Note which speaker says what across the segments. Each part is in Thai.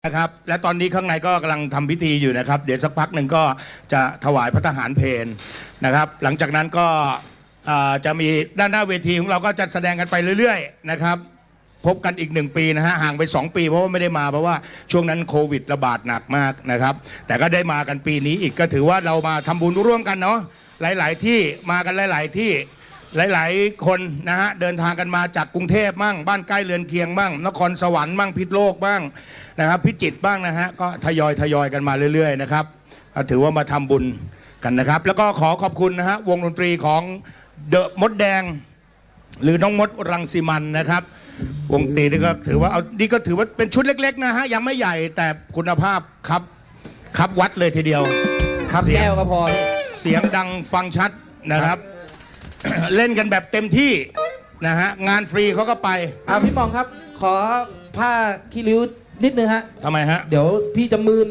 Speaker 1: นะครับและตอนนี้ข้างในก็กำลังทำพิธีอยู่นะครับเดี๋ยวสักพักหนึ่งก็จะถวายพระทหารเพลนะครับหลังจากนั้นก็จะมีด้านหน้าเวทีของเราก็จะแสดงกันไปเรื่อยๆนะครับพบกันอีก1 ปีนะฮะห่างไป2 ปีเพราะว่าไม่ได้มาเพราะว่าช่วงนั้นโควิดระบาดหนักมากนะครับแต่ก็ได้มากันปีนี้อีกก็ถือว่าเรามาทำบุญร่วมกันเนาะหลายๆที่มากันหลายๆที่หลายๆคนนะฮะเดินทางกันมาจากกรุงเทพบ้างบ้านใกล้เรือนเคียงบ้างนครสวรรค์บ้างพิษณุโลกบ้างนะครับพิจิตรบ้างนะฮะก็ทยอยกันมาเรื่อยๆนะครับถือว่ามาทำบุญกันนะครับแล้วก็ขอขอบคุณนะฮะวงดนตรีของเดอะมดแดงหรือน้องมดรังสิมันนะครับวงดนตรีนี่ก็ถือว่านี่ก็ถือว่าเป็นชุดเล็กๆนะฮะยังไม่ใหญ่แต่คุณภาพครับวัดเลยทีเดียว
Speaker 2: ครับแก้วก็พอพี่
Speaker 1: เสียงดังฟังชัดนะครับเล่นกันแบบเต็มที่นะฮะงานฟรีเขาก็ไป
Speaker 2: พี่ปองครับขอผ้าขี้ริ้วนิดนึงฮะ
Speaker 1: ทำไมฮะ
Speaker 2: เดี๋ยวพี่จะมืน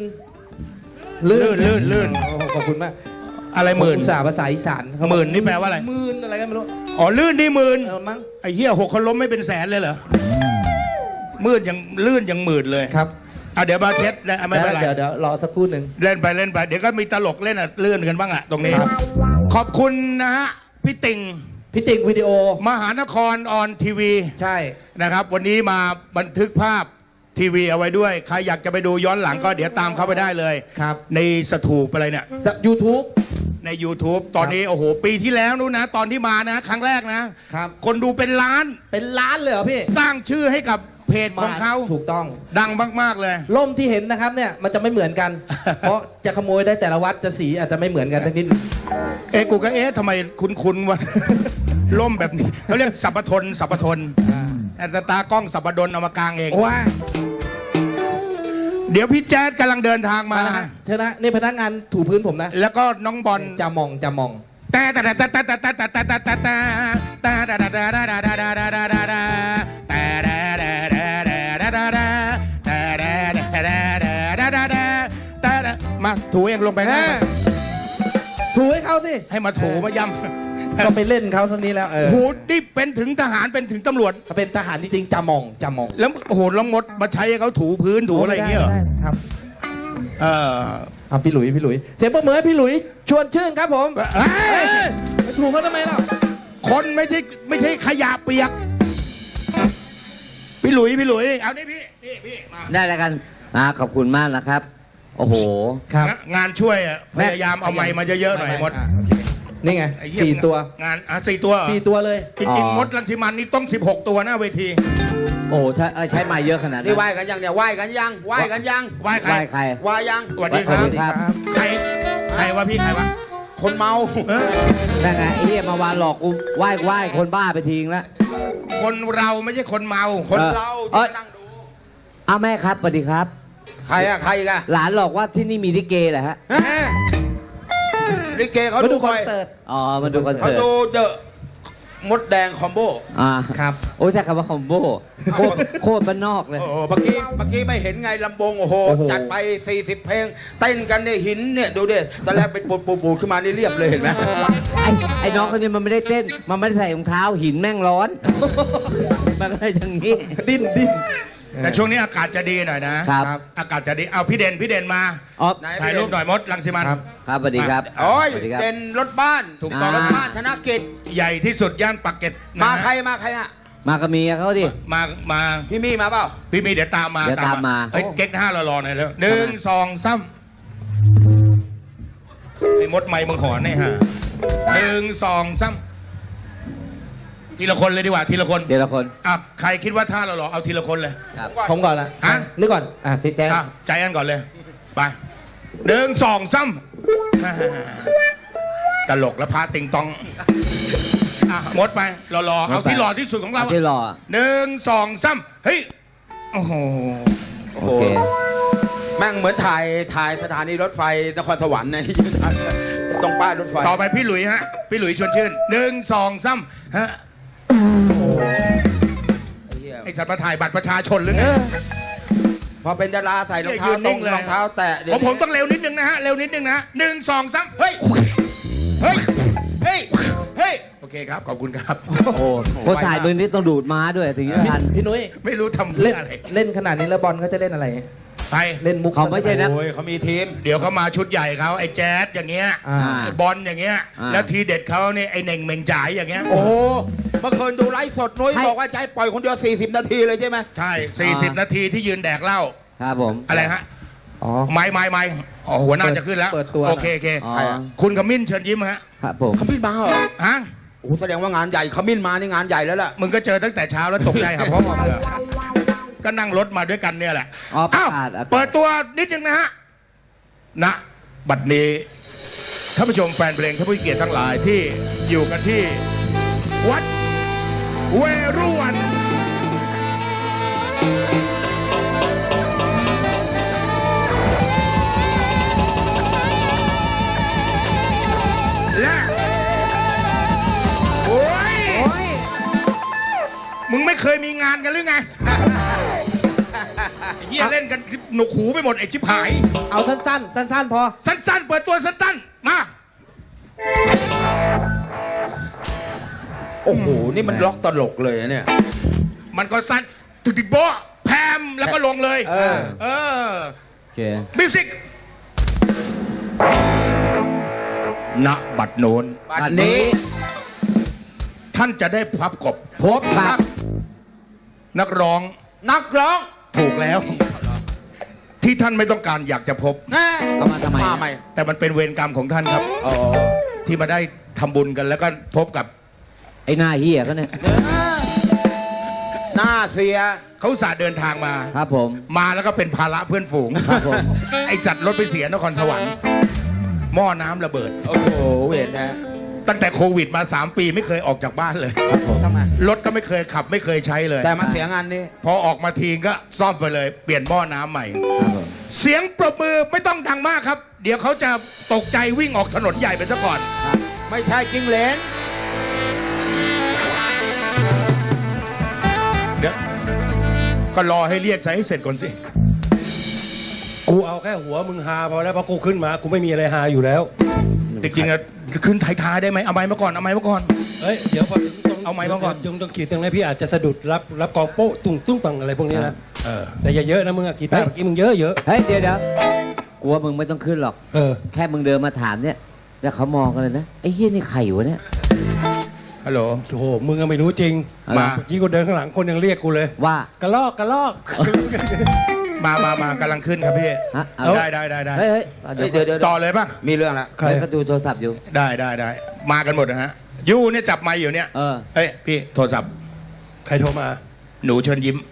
Speaker 1: ลื่น
Speaker 2: ขอบคุณมาก
Speaker 1: อะไรหมื่น
Speaker 2: ภาษาอีสาน
Speaker 1: หมื่นนี่แปลว่าอะไร
Speaker 2: มืนอะไรกันไม่รู้
Speaker 1: อ๋อลื่นนี่หมื่น
Speaker 2: มั้ง
Speaker 1: ไอ้เหี้ย6 คนล้มไม่เป็นแสนเลยเหรอมืดยังลื่นยังหมื่นเลย
Speaker 2: ครับ
Speaker 1: เดี๋ยวมาเช็ดไม่เป็นไร
Speaker 2: เดี๋ยวรอสักครู่หนึ่ง
Speaker 1: เล่นไปเดี๋ยวก็มีตลกเล่นลื่นกันบ้างตรงนี้ขอบคุณนะฮะพี่ติ่ง
Speaker 2: วิดีโอ
Speaker 1: มหานครออนทีวี
Speaker 2: ใช่
Speaker 1: นะครับวันนี้มาบันทึกภาพทีวีเอาไว้ด้วยใครอยากจะไปดูย้อนหลังก็เดี๋ยวตามเข้าไปได้เลย
Speaker 2: ครับ
Speaker 1: ในสถูปอะไรเนี่ย
Speaker 2: YouTube
Speaker 1: ใน YouTube ตอนนี้โอ้โหปีที่แล้วนู้นนะตอนที่มานะครั้งแรกนะครับคนดูเป็นล้าน
Speaker 2: เลยเหรอพี่
Speaker 1: สร้างชื่อให้กับเพจของเขา
Speaker 2: ถูกต้อง
Speaker 1: ดังมากๆเลย
Speaker 2: ล่มที่เห็นนะครับเนี่ยมันจะไม่เหมือนกัน เพราะจะขโมยได้แต่ละวัดจะสีอาจจะไม่เหมือนกันสักนิด
Speaker 1: กูก็ทำไมคุ้นวะล่มแบบนี้เขาเรียกสัพพทนแต่ตากล้องสัพพดลเอามากางเอง
Speaker 2: ว้า
Speaker 1: เดี๋ยวพี่แจ๊ดกำลังเดินทางมา
Speaker 2: เชิญนะนี่พนักงานถูพื้นผมนะ
Speaker 1: แล้วก็น้องบอล
Speaker 2: จะมอง
Speaker 1: มาถูเองลงไปนะ
Speaker 2: ถูให้เขาสิ
Speaker 1: ให้มาถูมาย้ำ
Speaker 2: ก็ไปเล่นเขาเท่านี้แล้ว
Speaker 1: หูนี่เป็นถึงทหารเป็นถึงตำรวจ
Speaker 2: เป็นทหารจริงๆจะมอง
Speaker 1: แล้วโอ้โหล้องมดมาใช้ให้เขาถูพื้นถูอะไรอย่างเงี้ย
Speaker 2: ครับพี่หลุยเสียงปรบมือให้พี่หลุยชวนชื่นครับผมถูเขาทำไมล่ะ
Speaker 1: คนไม่ใช่ขยะเปียกพี่หลุยเอาดิพี่
Speaker 3: ได้แล้วกันขอบคุณมากนะครับโอ้โห
Speaker 1: งานช่วยพยายามเอาไม้มาเยอะๆหน่อยมด
Speaker 2: นี่ไง4 ตัว
Speaker 1: งาน4 ตัว
Speaker 2: เลย
Speaker 1: จริงๆมดรังสิมันนี่ต้อง16 ตัวหน้าเวที
Speaker 3: โอ้ใช้ไม้เยอะขนาดนี้
Speaker 4: ไหว้กันยังเนี่ยไหว้กันยัง
Speaker 1: ไหว้ใคร
Speaker 4: ไหว้ยัง
Speaker 1: สวัสดีครับใครวะพี่ใครวะ
Speaker 4: คนเมา
Speaker 3: นั่นไงไอ้เนี่ยมาวานหลอกกูไหว้คนบ้าไปทิ้งแล้ว
Speaker 1: คนเราไม่ใช่คนเมา
Speaker 4: คนเรานั่งดู
Speaker 3: แม่ครับสวัสดีครับ
Speaker 4: ใครอีกอะ
Speaker 3: หลานหลอกว่าที่นี่มีลิเกเหรอฮะ
Speaker 4: ลิเกเขาดู
Speaker 2: คอนเสิร์ต
Speaker 3: มาดูคอนเสิร์ต
Speaker 4: เขาดูเดอะมดแดงคอมโบ
Speaker 3: ครับโอ้ใช่คำว่าคอมโบโคตรบ้านนอกเลย
Speaker 4: เมื่อกี้ไม่เห็นไงลำโพงโอ้โหจัดไป40 เพลงเต้นกันเนี่ยหินเนี่ยดูดิตอนแรกเป็นปูดขึ้นมานี่เรียบเลยเห็นไหม
Speaker 3: ไอ้น้องคนนี้มันไม่ได้เต้นมันไม่ได้ใส่รองเท้าหินแม่งร้อนมันอะไรอย่างนี้
Speaker 2: ดิ้น
Speaker 1: แต่ช่วงนี้อากาศจะดีหน่อยนะครับอากาศจะดีเอาพี่เด่นมาถ่ายรูปหน่อยมดรังสิมัน
Speaker 3: ครับสวัสดีครับ
Speaker 4: โอ้ยเด่นรถบ้าน
Speaker 1: ถูกต้อง
Speaker 4: รถบ้านธนกิจ
Speaker 1: ใหญ่ที่สุดย่านปากเกร็ด
Speaker 4: มาใครฮะ
Speaker 3: มากับเมียเขาดิ
Speaker 1: มา
Speaker 4: พี่มีมาเปล่า
Speaker 1: พี่มีเดี๋ยวตามมาเฮ้ยเก๊ก5รอหน่อยแล้ว1 2 3ไอ้มดไม้มึงขอนี่ฮะ1 2 3ทีละคนเลยดีกว่าทีละคนใครคิดว่าท่าเราหรอเอาทีละคนเลย
Speaker 2: ผมก่อนละนึกก่อนพี่แจ๊
Speaker 1: ใจอันก่อนเลยไป1 2 3ตลกแล้วพาติงตองมดไปรอเอาที่หล่อที่สุดของเรา
Speaker 3: ที่หล่อ
Speaker 1: 1 2 3เฮ้ยโอ้โห
Speaker 4: แม่งเหมือนถ่ายสถานีรถไฟนครสวรรค์นะตรงป้ายรถไฟ
Speaker 1: ต่อไปพี่หลุยฮะพี่หลุยชวนชื่น1 2 3ฮะไอ้ฉันมาถ่ายบัตรประชาชนหรือไง
Speaker 4: พอเป็นดาราใส่รองเท้ารองเท้าแตะ
Speaker 1: ผมต้องเร็วนิดนึงนะฮะ1 2 3เฮ้ยโอเคครับขอบคุณครับ
Speaker 3: คนถ่ายมือนี้ต้องดูดม้าด้วยถึงจะทัน
Speaker 2: พี่นุ้ย
Speaker 1: ไม่รู้ทำเล่นอะไร
Speaker 2: เล่นขนาดนี้แล้วบอลเขาจะเล่นอะไร
Speaker 1: ไป
Speaker 2: เล่นมุก
Speaker 3: เขาไม่ใช่นะ
Speaker 4: โอ้ยเขามีทีม
Speaker 1: เดี๋ยวเขามาชุดใหญ่เขาไอ้แจ๊ดอย่างเงี้ย
Speaker 2: อ่า
Speaker 1: บอลอย่างเงี้ย
Speaker 3: อ่า
Speaker 1: แล้วทีเด็ดเขาเนี่ยไอ้เหน่งเมงจ่ายอย่างเงี้ย
Speaker 4: โอ้โหเมื่อคืนดูไลฟ์สดนุ้ย
Speaker 3: ให้
Speaker 4: บอกว่าใจปล่อยคนเดียว 40 นาทีเลยใช่ไหม
Speaker 1: ใช่ 40 นาทีที่ยืนแดกเหล้า
Speaker 3: ครับผม
Speaker 1: อะไรฮะ
Speaker 2: อ๋อ
Speaker 1: ไม่อ๋อหัวหน้าจะขึ้นแล้ว
Speaker 2: เปิดตัว
Speaker 1: โอเค
Speaker 3: อ๋อ
Speaker 4: ใครอะ
Speaker 1: คุณขมิ้นเชิญยิ้มฮะ
Speaker 3: ครับผม
Speaker 4: ขมิ้นมาเหรอ
Speaker 1: ฮะ
Speaker 4: โอ้โหแสดงว่างานใหญ่ขมิ้นมานี่งานใหญ่แล้วล่ะ
Speaker 1: มึงก็เจอตั้งแต่เช้าแล้วตกใจครับพ่อมึงเหรอก็นั่งรถมาด้วยกันเนี่ยแหละ
Speaker 3: อ๋อประ
Speaker 1: อ้าว
Speaker 3: กาศอากาศ
Speaker 1: เปิดตัวนิดนึงนะฮะณบัดนี้ท่านผู้ชมแฟนเพลงท่านผู้เกียรติทั้งหลายที่อยู่กันที่ วัดเวรุวันและโอ้ยมึงไม่เคยมีงานกันหรือไงเฮียเล่นกันหนวกหูไปหมดไอ้ชิบหาย
Speaker 2: เอาสั้นๆ สั้นๆ พอ
Speaker 1: สั้นๆ เปิดตัวสั้นๆ มา
Speaker 4: โอ้โห นี่มันล็อกตลกเลยนะเนี่ย
Speaker 1: มันก็สั้นตึกๆโบ๊ะแพมแล้วก็ลงเลย เออ
Speaker 3: โอเค
Speaker 1: มิวสิกณบัดโน้น
Speaker 4: บัดนี้
Speaker 1: ท่านจะได้พับกบ
Speaker 3: พบครับ
Speaker 1: นักร้อง
Speaker 4: นักร้อง
Speaker 1: ถูกแล้ว ที่ท่านไม่ต้องการอยากจะพบ
Speaker 4: แน่
Speaker 3: เอามาทำไม
Speaker 4: มาใหม่
Speaker 1: แต่มันเป็นเวรกรรมของท่านครับ
Speaker 4: อ๋อ
Speaker 1: ที่มาได้ทำบุญกันแล้วก็พบกับ
Speaker 3: ไอ้หน้าเฮียเขาเนี่ย
Speaker 4: หน้าเสีย
Speaker 1: เขาอุตสาห์เดินทางมา
Speaker 3: ครับผม
Speaker 1: มาแล้วก็เป็นภาระเพื่อนฝูง
Speaker 3: ครับผม
Speaker 1: ไอ้จัดรถไปเสียนครสวรรค์หม้อน้ำระเบิด
Speaker 4: โอ้โห เวทนะ
Speaker 1: ตั้งแต่โควิดมา 3 ปีไม่เคยออกจากบ้านเลย
Speaker 4: ทำไม
Speaker 1: รถก็ไม่เคยขับไม่เคยใช้เลย
Speaker 4: แต่มาเสียงานนี้
Speaker 1: พอออกมาทีก็ซ่อมไปเลย เปลี่ยนหม้อน้ำใหม่
Speaker 3: ครับผม
Speaker 1: เสียงปรบมือไม่ต้องดังมากครับ เดี๋ยวเขาจะตกใจวิ่งออกถนนใหญ่ไปซะก่อน
Speaker 4: ไม่ใช่จริงเหลน
Speaker 1: เดี๋ยวก็รอให้เรียกใส่ให้เสร็จก่อนสิ
Speaker 5: กูเอาแค่หัวมึงหาพอแล้วเพราะกูขึ้นมากูไม่มีอะไรหาอยู่แล้ว
Speaker 1: จริงๆอะขึ้นท้ายๆได้ไหมเอาไม้มาก่อนเอาไม้มาก่อน
Speaker 5: เอ้ยเดี๋ยวพอถึงตรง
Speaker 1: เอาไมค์มาก่อน
Speaker 5: ต้องขีดตรงนี้พี่อาจจะสะดุดรับกองโป๊ะตุ้งตุ้งตังอะไรพวกนี้นะแต่อย่าเยอะนะมึงอะกีตาร์เมื่อกี้มึงเยอะ
Speaker 3: เฮ้ย เดี๋ยวกลัวมึงไม่ต้องขึ้นหรอก
Speaker 5: เออ
Speaker 3: แค่มึงเดินมาถามเนี่ย แล้วเขามองกันเลยนะ ไอ้เฮียนี่ใครวะเนี่ย
Speaker 1: ฮัลโหล
Speaker 5: โอ้โหมึงก็ไม่รู้จริง
Speaker 1: มา
Speaker 5: เมื่อกี้กูเดินข้างหลังคนยังเรียกกูเลย
Speaker 3: ว่า
Speaker 5: กระลอกกระลอก
Speaker 1: มากำลังขึ้นครับพี่
Speaker 3: ฮะเอา
Speaker 1: ได้
Speaker 3: เฮ้ยเดี๋ยว
Speaker 4: เดี๋ยว
Speaker 1: ต่อเลยป่ะ
Speaker 4: มีเรื่องละ
Speaker 5: ใคร
Speaker 3: เดี๋ยวก็ดูโทรศัพท์อยู่
Speaker 1: ได้มากันหมดนะฮะยูเนี่ยจับไมค์อยู่เนี่ย
Speaker 3: เออ
Speaker 1: เอ้ยพี่โทรศัพท์
Speaker 5: ใครโทรมา
Speaker 1: หนูเชิญยิ้ม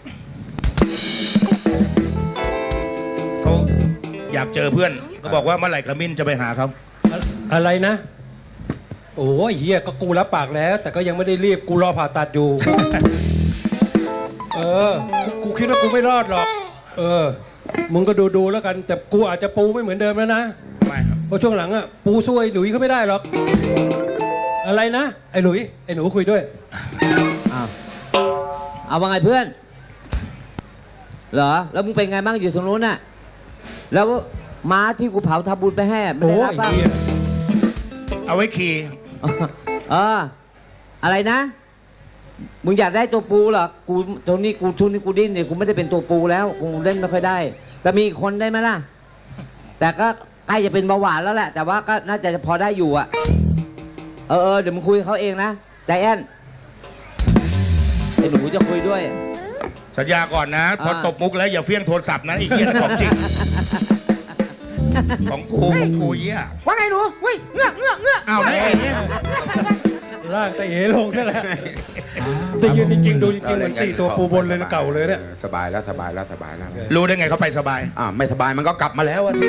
Speaker 1: เขาอยากเจอเพื่อนเขาบอกว่าเมื่อไหร่ขมิ้นจะไปหาเขา
Speaker 5: อะไรนะ โอ้ยเฮียก็กูรับปากแล้ว แต่ก็ยังไม่ได้รีบกูรอผ่าตัดอยู่ เออกูคิดว่ากูไม่รอดหรอก เออ มึงก็ดูแล้วกัน แต่กูอาจจะปูไม่เหมือนเดิมแล้วนะ
Speaker 1: ไม่ครับ
Speaker 5: เพราะช่วงหลังอ่ะปูช่วยหลุยเขาไม่ได้หรอก อะไรนะไอ้หลุยไอ้หนูคุยด้วย
Speaker 3: เอาว่าไงเพื่อน เหรอ แล้วมึงเป็นไงบ้างอยู่ตรงนู้นน่ะ แล้วม้าที่กูเผาทำบุญไปให้ไม่
Speaker 5: โอ้
Speaker 3: ได้รับ
Speaker 5: ย
Speaker 3: บ้าง
Speaker 5: เฮีย
Speaker 1: เอาไว้ขี่
Speaker 3: เออ อะไรนะ มึงอยากได้ตัวปูเหรอ กูตรงนี้กูทุนนี้กูดิ้นเนี่ยกูไม่ได้เป็นตัวปูแล้ว กูเล่นไม่ค่อยได้ แต่มีอีกคนได้ไหมล่ะ แต่ก็ใกล้จะเป็นเบาหวานแล้วแหละ แต่ว่าก็น่าจะพอได้อยู่อะเออ เดี๋ยวมึงคุยกับเขาเองนะใจแอนไอ้หนูจะคุยด้วย
Speaker 1: สัญญาก่อนนะ พอตบมุกแล้วอย่าเฟี้ยงโทรศัพท์นะไอ้เหี้ยของจริง ของกูเหี้ย
Speaker 2: ว่าไงหนูเว้ยเงือก
Speaker 1: อ้าวไหนไอ้เนี่ย
Speaker 5: ร่างแต่เอลงนั่นแหละแต่ยืนจริงๆดูจริงๆเหมือน4 ตัวปูบนเลยนะเก่าเลยเนี่ย
Speaker 4: สบายแล้ว
Speaker 1: รู้ได้ไงเขาไปสบาย
Speaker 4: ไม่สบายมันก็กลับมาแล้วอะสิ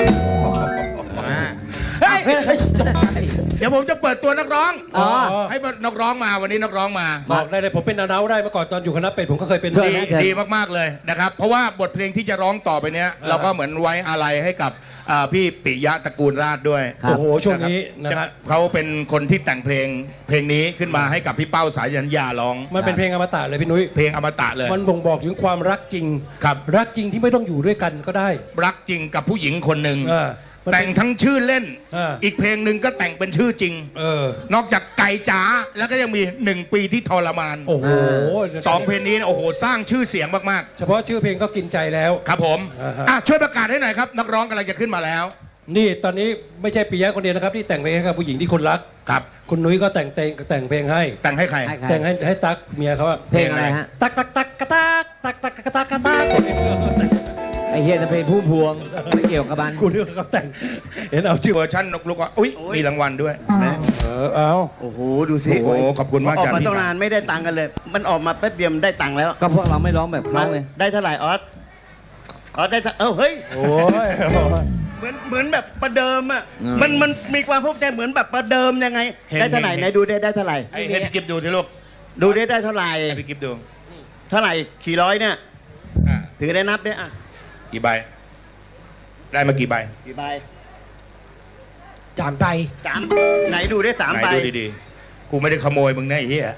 Speaker 1: เฮ้ยเดี๋ยวผมจะเปิดตัวนักร้อง
Speaker 3: อ๋อ
Speaker 1: ให้นักร้องมาวันนี้นักร้องมา
Speaker 5: บอกได้เลยผมเป็นนาได้เมื่อก่อนตอนอยู่คณะเป็ดผมก็เคยเป็น
Speaker 3: เชิญ
Speaker 1: ดี
Speaker 3: นะเชิญ
Speaker 1: ดีมากๆเลยนะครับ เพราะว่าบทเพลงที่จะร้องต่อไปเนี้ยเราก็เหมือนไว้อาลัยให้กับพี่ปิยะตระกูลราชด้วย
Speaker 3: ครับ
Speaker 5: โอ้โหช่วงนี้นะฮะ
Speaker 1: เขาเป็นคนที่แต่งเพลงนี้ขึ้นมาให้กับพี่เป้าสายัญญาร้อง
Speaker 5: มันเป็นเพลงอมตะเลยพี่นุ้ย
Speaker 1: เพลงอมตะเลย
Speaker 5: มันบ่งบอกถึงความรักจริง
Speaker 1: ครับ
Speaker 5: รักจริงที่ไม่ต้องอยู่ด้วยกันก็ได้
Speaker 1: รักจริงกับผู้หญิงคนหนึ่งแต่งทั้งชื่อเล่น
Speaker 5: อีก
Speaker 1: เพลงหนึ่งก็แต่งเป็นชื่อจริง นอกจากไก่จ๋าแล้วก็ยังมี1 ปีที่ทรมาน
Speaker 5: โอ้โห
Speaker 1: 2 เพลงนี้โอ้โหสร้างชื่อเสียงมาก
Speaker 5: เฉพาะชื่อเพลงก็กินใจแล้ว
Speaker 1: ๆครับผม
Speaker 5: อ่าฮะ
Speaker 1: ช่วยประกาศให้หน่อยครับนักร้องกำลังจะขึ้นมาแล้ว
Speaker 5: นี่ตอนนี้ไม่ใช่ปิยะคนเดียวนะครับที่แต่งเพลงให้กับผู้หญิงที่คนรัก
Speaker 1: ครับ
Speaker 5: คุณนุ้ยก็แต่งเพลงให้
Speaker 1: แต่งให้ใคร
Speaker 3: ให้ใคร
Speaker 5: แต่งให้ตั๊กเมียเขาอะ
Speaker 3: เพลงอะไรฮะ
Speaker 5: ตักตักตักกระตักตักตักกระตักกระตัก
Speaker 3: ไอ้เฮียนั่นเพลงผู้พวงไม่เกี่ยวกับมัน
Speaker 5: กูนึกว่าเขาแต่งเห็นเอาชื่อ
Speaker 1: เวอร์ชันนกลุกว่าอุ้ยมีรางวัลด้วย
Speaker 5: เอา
Speaker 4: โอ้โห ดูสิ
Speaker 1: โอ้โหขอบคุณมาก
Speaker 4: ออก
Speaker 1: จาก
Speaker 4: มา
Speaker 1: พี่
Speaker 4: ตั้งนานไม่ได้ตังค์กันเลย มันออกมาแป๊บเดียวมันได้ตังค์แล้ว
Speaker 3: ก็พวกเราไม่ร้องแบบเขาไง
Speaker 4: ได้เท่าไหร่ออสได้เฮ้ย
Speaker 5: โอ้ย
Speaker 4: เหมือนแบบประเดิมอ่ะ มันมีความภูมิใจเหมือนแบบประเดิมยังไง ได้เท่าไหร่ไหนดูได้เท่าไหร่
Speaker 1: ให้พี่กิฟดูสิลูก
Speaker 4: ดูได้เท่าไหร่
Speaker 1: ให้พี่กิฟดู
Speaker 4: เท่าไหร่ขี่ร้อยเนี่ย
Speaker 1: อ่ะ
Speaker 4: ถือได้นับเนี่ยอ่ะ
Speaker 1: กี่ใบ ได้มากี่ใบ
Speaker 4: กี่ใบ
Speaker 2: จามไป
Speaker 4: สามไหนดูได้สาม
Speaker 1: ไหน
Speaker 4: ใบ
Speaker 1: ดูดีๆ กูไม่ได้ขโมยมึงนะไอ้เหี้ย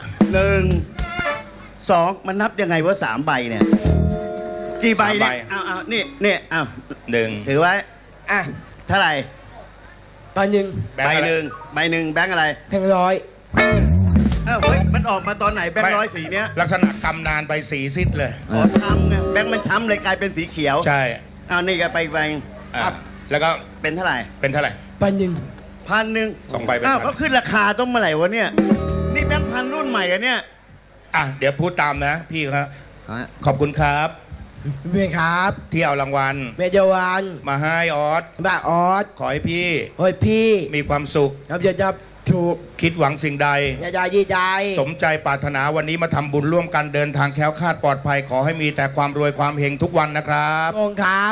Speaker 4: 1 2มันนับยังไงว่า3 ใบเนี่ย กี่ใบเนี่ยเอานี่เอา
Speaker 1: 1
Speaker 4: ถือไว้อ่ะเท่าไหร่
Speaker 2: ใบหนึ่ง
Speaker 1: แบงค์อะไร
Speaker 4: ใบหนึ่งแบงค์อะไร
Speaker 2: แพงร้อย
Speaker 4: เฮ้ยมันออกมาตอนไหนแบงค์ร้อยสีเนี้ย
Speaker 1: ลักษณะกำนานไปสีซิดเลย
Speaker 4: อ๋อช้ำไงแบงค์มันช้ำเลยกลายเป็นสีเขียว
Speaker 1: ใช่
Speaker 4: เอานี่ก็ไป
Speaker 1: อ่ะแล้วก็
Speaker 4: เป็นเท่าไหร่
Speaker 1: เป็นเท่าไหร่
Speaker 2: ใบหนึ่ง
Speaker 4: 1,000
Speaker 1: 2 ใบเป็น
Speaker 4: อ้าว
Speaker 1: พัน
Speaker 4: เขาขึ้นราคาต้องเมื่อไหร่วะเนี่ยนี่แบงค์พันรุ่นใหม่อะเนี่ย
Speaker 1: อ่ะเดี๋ยวพูดตามนะพี่ครับ ขอบคุณครับ
Speaker 2: เมียครับ
Speaker 1: ที่เอารางวัล
Speaker 2: เมียเจวัน
Speaker 1: มาให้ออส
Speaker 2: บ้าออส
Speaker 1: ขอให้พี่
Speaker 2: เฮ้ยพี่
Speaker 1: มีความสุข
Speaker 2: ครับอย่าจะถูก
Speaker 1: คิดหวังสิ่งใด
Speaker 2: อย่าจะยี่ใจ
Speaker 1: สมใจปรารถนาวันนี้มาทำบุญร่วมกันเดินทางแคล้วคลาดปลอดภัย ขอให้มีแต่ความรวยความเฮงทุกวันนะครับ
Speaker 2: องค์ครับ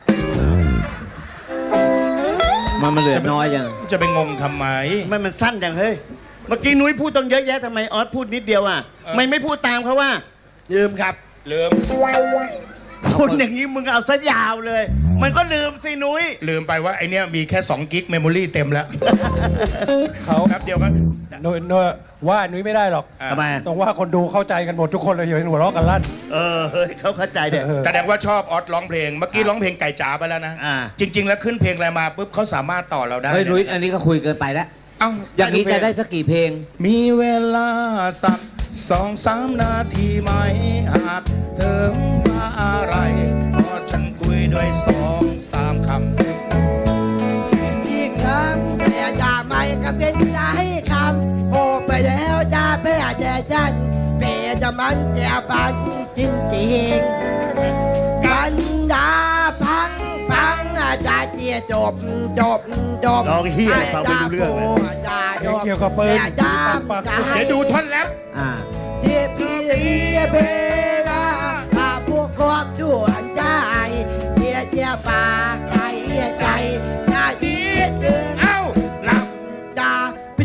Speaker 3: มันเหลือน้อยยัง
Speaker 1: จะไปงงทำไม
Speaker 4: มันสั้นจังเฮ้ยเมื่อกี้นุ้ยพูดต้องเยอะแยะทำไมออสพูดนิดเดียวอ่ะไม่พูดตามเขาว่า
Speaker 2: ลืมครับ
Speaker 1: ลืม
Speaker 4: พูดอย่างนี้มึงเอาซะยาวเลย มันก็ลืมสินุ้ย
Speaker 1: ลืมไปว่าไอเนี้ยมีแค่2 กิกเมมโมรี่เต็มแล้ว
Speaker 5: เขา
Speaker 1: แป๊บเดียวก็
Speaker 5: โนยว่านุ้ยไม่ได้หรอก
Speaker 1: อ่ะ
Speaker 4: ทำไม
Speaker 5: ต้องว่าคนดูเข้าใจกันหมดทุกคนเลยอย่าเห็นหัวเราะกันลั่น
Speaker 4: เฮ้ยเขาเข้าใจเด็ก
Speaker 1: แสดงว่าชอบออสร้องเพลง เมื่อกี้ร้องเพลงไก่จ๋าไปแล้วนะ
Speaker 4: อ่า
Speaker 1: จริง ๆ แล้วขึ้นเพลงอะไรมาปุ๊บเขาสามารถต่อเราได้
Speaker 3: เฮ้ยนุ้ย
Speaker 1: นะ
Speaker 3: อันนี้ก็คุยเกินไปแล้ว
Speaker 1: เอ้า
Speaker 3: อย่างนี้จะได้สักกี่เพลง
Speaker 1: มีเวลาสัก2-3 นาทีไหมหากเธอมาอะไรเพราะฉันคุยด้วย2-3 คำ
Speaker 2: อีกครั้งแต่จะไม่ก็เป็นใจคำโอ้ไปแล้วจะเพื่อแจฉันเพื่อจะมันจะปันจริงจริงๆกันดาพังจะเจียจบ
Speaker 4: ร้องเหี้ยอะไรฟังไม่รู้เรื่องเลย
Speaker 5: เกี่ยวกับปืน
Speaker 1: เดี๋ยวดูท่อนแล้ว
Speaker 3: อ่า
Speaker 2: เจียพี่เบลาถ้าพวกความชั่วใจเจียปากใจจะยีดเกิน
Speaker 1: เอ้าหลับ
Speaker 2: ดา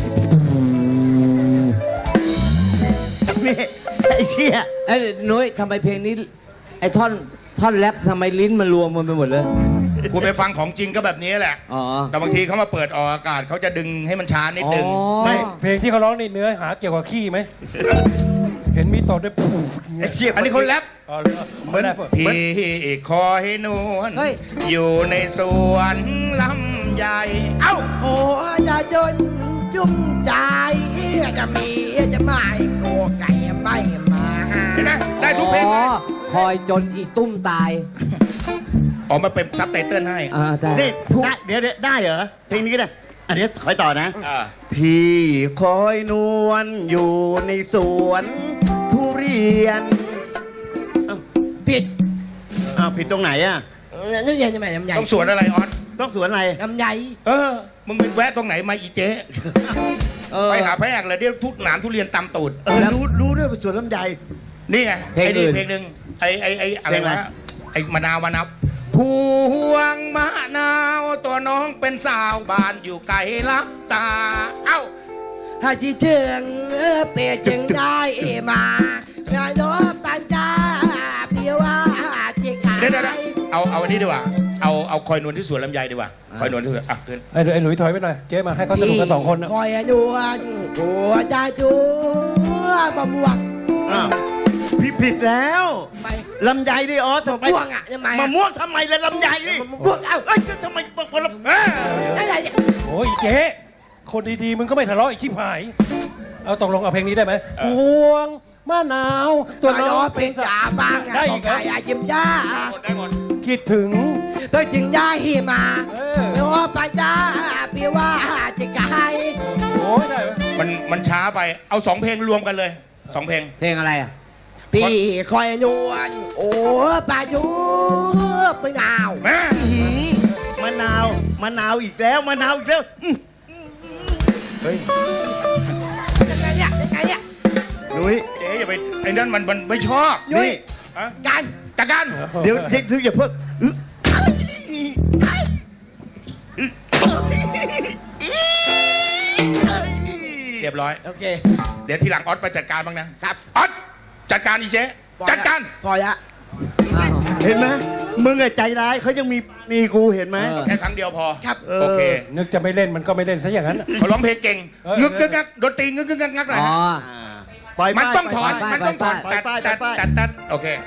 Speaker 4: นี่ไอ้เชี่ย
Speaker 3: เอ้ยนุ้ยทำไมเพลงนี้ ไอ้ท่อนแรปทำไมลิ้นมันรวมมันไปหมดเลย
Speaker 1: คุณไปฟังของจริงก็แบบนี้แหละ
Speaker 3: อ๋อ
Speaker 1: แต่บางทีเขามาเปิดออกอากาศเขาจะดึงให้มันช้านิดนึง
Speaker 3: อ๋อ
Speaker 5: ไม่เพลงที่เขาร้องในเนื้อหาเกี่ยวกับขี้ไหม เห็นมีต่อด้วยปู
Speaker 4: ไอ้เชี่ย
Speaker 1: อันนี้คนแรป
Speaker 5: อ๋อเหรอไม่ได้เปิด
Speaker 1: พี่คอยนวล
Speaker 3: เฮ้ย
Speaker 1: อยู่ในสวนลำใหญ่ เอ้า
Speaker 2: โอ้จะจนจุ่มใจจะมีจะไม่โกไก่ไม่มา
Speaker 1: เห็นไหมได้ทุกเพลง
Speaker 3: อ๋
Speaker 1: เล
Speaker 3: อย คอยจนอีตุ้มตาย
Speaker 1: ออกมาเป็นซับไตเติ้ลให้
Speaker 3: อ่าใช่
Speaker 4: นี่ได้เดี๋ยวได้เหรอเพลงนี้ก็ได้อันนี้คอยต่อนะ
Speaker 1: อ่า
Speaker 4: พี่คอยนวลอยู่ในสวนทุเรียน
Speaker 2: ผิด
Speaker 4: อ้าวผิดตรงไหนอ่ะ
Speaker 2: นี่ยังจะไม่ลำใหญ่
Speaker 1: ต้องสวนอะไรออส
Speaker 4: ต้องสวนอะไร
Speaker 2: ลำใหญ่
Speaker 1: มึงไปแวะตรงไหนมาอีเจ๊
Speaker 3: เออ
Speaker 1: ไปหาพระแอกเลยเดี๋ยวทุกหนามทุเรียนตำตูด
Speaker 4: รู้ด้วยว่าสวนลำไย
Speaker 1: นี่ไง
Speaker 3: เพลง
Speaker 1: ไอ้นี่
Speaker 3: อื่น
Speaker 1: เพลงหนึ่งไอ้อะไร
Speaker 4: เพลงอะไร
Speaker 1: วะไอ้มะนาวพวงมะนาวตัวน้องเป็นสาวบ้านอยู่ไกลลับตา เอ้า
Speaker 2: ถ้าที่เชิงเปียจึงได้มาเมื่อโลปัญจาเพียว่าจิกา
Speaker 1: เดี๋ยวเอาอันนี้ดีกว่า เอาคอยนวลที่สวนลำไยดีกว่า คอยนวลที่สวนอ่ะขึ้น
Speaker 5: ไอ้หลุยถอยไปหน่อย เจ๊มาให้เขาสนุกกัน2 คนนะ
Speaker 2: คอยนวลหัวใจจูบะม่วง
Speaker 4: อ้าวพี่ผิดแล้ว
Speaker 2: ไป
Speaker 4: ลำไยดิอ๋อทำไม
Speaker 2: ม่วงอ่ะทำไม
Speaker 4: มะม่วงทำไมล่ะลำไยดิ
Speaker 2: มะม่วงเอ้า
Speaker 4: เอ้ยทำไมบอกว่าลำ
Speaker 5: เจ๊คนดีๆมึงก็ไม่ทะเลาะอีกชิบหายเอาตกลงเอาเพลงนี้ได้ไหมพวงมะนาวตัว
Speaker 2: ตัว
Speaker 5: น้
Speaker 2: น้
Speaker 5: อ
Speaker 2: อง งเป็นจ่าบาง
Speaker 5: ได้
Speaker 2: ข
Speaker 5: อี
Speaker 2: อง
Speaker 5: กเหรอ
Speaker 2: ใครยิ้มย่า
Speaker 1: ได้หมด
Speaker 5: คิดถึง
Speaker 2: เพื่อจึงย้ายมา
Speaker 5: เออ
Speaker 2: ไม่ว่าปัญญาพี่ว่าจะไกล
Speaker 5: โอ้ยได้ไหม
Speaker 1: มันช้าไปเอา2เพลงรวมกันเลย2เพลง
Speaker 3: เพลงอะไรอ่ะ
Speaker 2: พี่คอยนวลโอ้ปายุไม่หนาว
Speaker 1: แม่
Speaker 6: มะนาวมะนาวอีกแล้วมะนาวอีกแล้ว
Speaker 2: ยังไงเนี่ยยังไงเนี่ย
Speaker 6: หนุ้ย
Speaker 1: เจ๊อย่าไปไอ้นั่นมันไม่ชอบ
Speaker 2: ยุ้ย
Speaker 1: ฮะ
Speaker 2: กัน
Speaker 1: จัดการ
Speaker 6: เดี๋ยวเด็กทุกอย่าเพิ่ง
Speaker 1: เรียบร้อย
Speaker 2: โอเค
Speaker 1: เดี๋ยวทีหลังออสไปจัดการบ้างนะครับ ออสจัดการอีเจ๊จัดการ
Speaker 2: พอละ
Speaker 3: อ้าว
Speaker 6: เห็นไหมมึงอะใจร้ายเขายังมีกูเห็นไหม
Speaker 3: เออ
Speaker 1: แค่ครั้งเดียวพอ
Speaker 2: ครับ
Speaker 6: เออ
Speaker 1: โอเค
Speaker 5: นึกจะไม่เล่นมันก็ไม่เล่นซะอย่างนั้น
Speaker 1: เขาร้องเพลงเก่ง
Speaker 5: เออ
Speaker 1: งึกงึกงักดนตรีงึกงึกงักงักหน่อย
Speaker 3: อ๋อ
Speaker 1: ฮะ
Speaker 6: ปล่อย
Speaker 1: มันต้องถอน
Speaker 3: ปล่อย
Speaker 1: มันต้องถอน
Speaker 6: ปล่อย
Speaker 1: ตัด
Speaker 6: ปล่อย
Speaker 1: ตัด
Speaker 6: ปล่อย
Speaker 1: ตัดตัดโอเค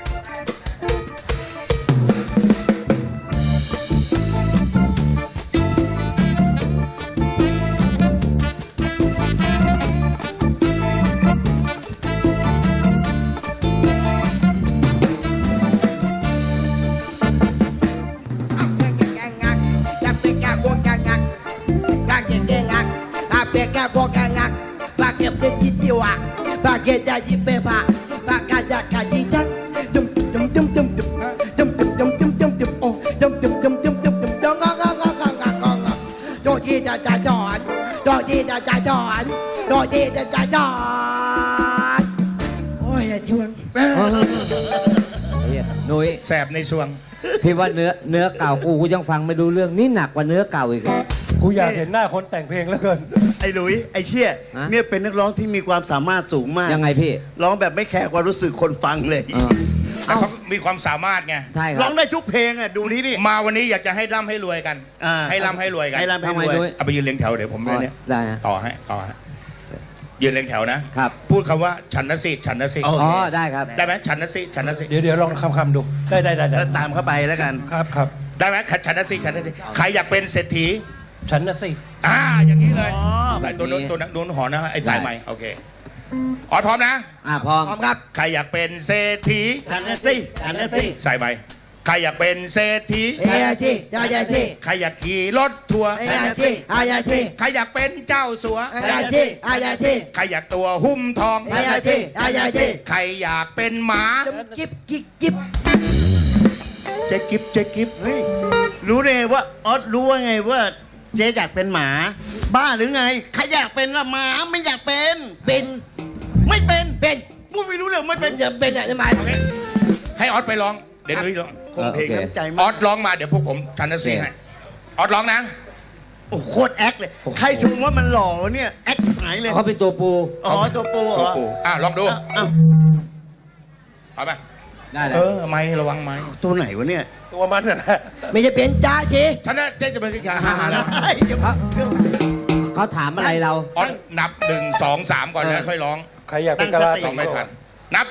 Speaker 2: จะเป็นแก่พวกแก่งักกางเกงแก่งักถ้าเป็นแก่พวกแก่งักปากเก็บได้จิตจิวะปากเก็บได้จิตเปปะปากกาจะขาดจิจังจุ่มจุ่มจุ่มจุ่มจุ่มจุ่มจุ่มจุ่มจุ่มจุ่มจุ่มโอ้จุ่มจุ่มจุ่มจุ่มจุ่มจุ่มจุ่มงองงองงองงองงองโดที่จะจอดโดที่จะจอดโดที่จะจอดโอ้ยชวน
Speaker 3: เหี้ยหนุ้ย
Speaker 1: แสบในช่วง
Speaker 3: พี่ว่าเนื้อเก่ากูยังฟังไม่รู้เรื่องนี่หนักกว่าเนื้อเก่าอีก
Speaker 5: กูอยากเห็นหน้าคนแต่งเพลงแล้วเกิน
Speaker 6: ไอ้หลุยไอ้เชี่ย
Speaker 3: ฮะ
Speaker 6: เนี่ยเป็นนักร้องที่มีความสามารถสูงมาก
Speaker 3: ยังไงพี่
Speaker 6: ร้องแบบไม่แคร์ความรู้สึกคนฟังเลย
Speaker 3: เออ
Speaker 1: แต่เขามีความสามารถไง
Speaker 3: ใช่ค
Speaker 6: ร้
Speaker 3: รั
Speaker 6: อบ งได้ทุกเพลงอ่ะดูนี่ดิ
Speaker 1: มาวันนี้อยากจะให้ร่ำให้รวยกัน
Speaker 6: อ่า
Speaker 1: ให้ร่ำให้รวยกัน
Speaker 6: ให้ร่ำให้
Speaker 3: ทำไม
Speaker 6: รวย
Speaker 3: ด้วย
Speaker 1: เอาไปยืนเรียงแถวเดี๋ยวผมเนี่ย
Speaker 3: ได้นะ
Speaker 1: ต่อให้ยืนเรียงแถวนะ
Speaker 3: ครับ
Speaker 1: พูดคำว่าฉันนะสิฉันนะสิ
Speaker 6: โอเค
Speaker 3: อ๋อได้ครับ
Speaker 1: ได้ไหมฉันนะสิฉันนะสิ
Speaker 5: เดี๋ยวลองคำดูได้
Speaker 6: แล้วตามเข้าไปแล้วกัน
Speaker 5: ครับ
Speaker 1: ได้ไหมฉันนะสิฉันนะสิใครอยากเป็นเศรษฐี
Speaker 5: ฉันนะสิ
Speaker 1: อย่างนี้เลย
Speaker 6: อ๋อ
Speaker 1: ไอ้ตัวนู้นตัวนู้นหอนะไอ้สายใหม่โอเคออดพร้อมนะ
Speaker 3: พร้อม
Speaker 2: พร้อมครับ
Speaker 1: ใครอยากเป็นเศรษฐี
Speaker 6: ฉันนะสิฉันนะสิ
Speaker 1: สายใหม่ใครอยากเป็นเศรษฐี
Speaker 2: เฮียสิยายาสิ
Speaker 1: ใครอยากขี่รถทัวร์
Speaker 2: เฮียสิอายาสิ
Speaker 1: ใครอยากเป็นเจ้าสัว
Speaker 2: อายาสิอายาสิ
Speaker 1: ใครอยากตัวหุ้มทอง
Speaker 2: อายาสิอายาสิ
Speaker 1: ใครอยากเป็นหมา
Speaker 2: จุ๊บจิ๊บกิ๊บกิ๊บ
Speaker 1: เจ๊กิบเจ๊กิบ
Speaker 6: เฮ้ยรู้ได้ไงว่าออสรู้ว่าไงว่าเจ๊อยากเป็นหมา บ้าหรือไงใครอยากเป็นละหมาไม่อยากเป็น
Speaker 2: เป็น
Speaker 6: ไม่เป็น
Speaker 2: เป็น
Speaker 6: พูดไม่รู้เรื่องไม่
Speaker 2: เป็
Speaker 6: เป็น น
Speaker 2: จะเป็นอะไรมา
Speaker 1: ให้ออสไปร้องเดี๋ยวนุ้ยร้อง
Speaker 6: คงเพลงน้ำใจ
Speaker 1: อ
Speaker 6: มา
Speaker 1: อก สร้องมาเดี๋ยวพวกผมชันนะสิให้ออสร้องนะ
Speaker 6: โอ้โหโคตรแอคเลยใครชมว่ามันหล่อเนี่ยแอคหายเลย
Speaker 3: เขาเป็นตัวปู
Speaker 6: อ๋อตัวปูเหร
Speaker 1: ตัว
Speaker 6: อ
Speaker 1: ปู่ลองดู
Speaker 6: อ้าว
Speaker 1: เอาไป
Speaker 3: ได้เลย
Speaker 1: ไม่ระวังไม่
Speaker 6: ตัวไหนวะเนี่ย
Speaker 5: ตัวมันน่ะนะ
Speaker 2: ไม่จะเป็นจ้าสิ
Speaker 1: ฉันนะเจ๊จะเป็นสิขาหาแล้ว
Speaker 6: เดี๋ยว
Speaker 3: เขาถามอะไรเรา
Speaker 1: ออสนับ1 2 3ก่อนแล้วค่อยร้อง
Speaker 5: ใครอยากเป็นกะลา
Speaker 1: สองไม่ทันนับ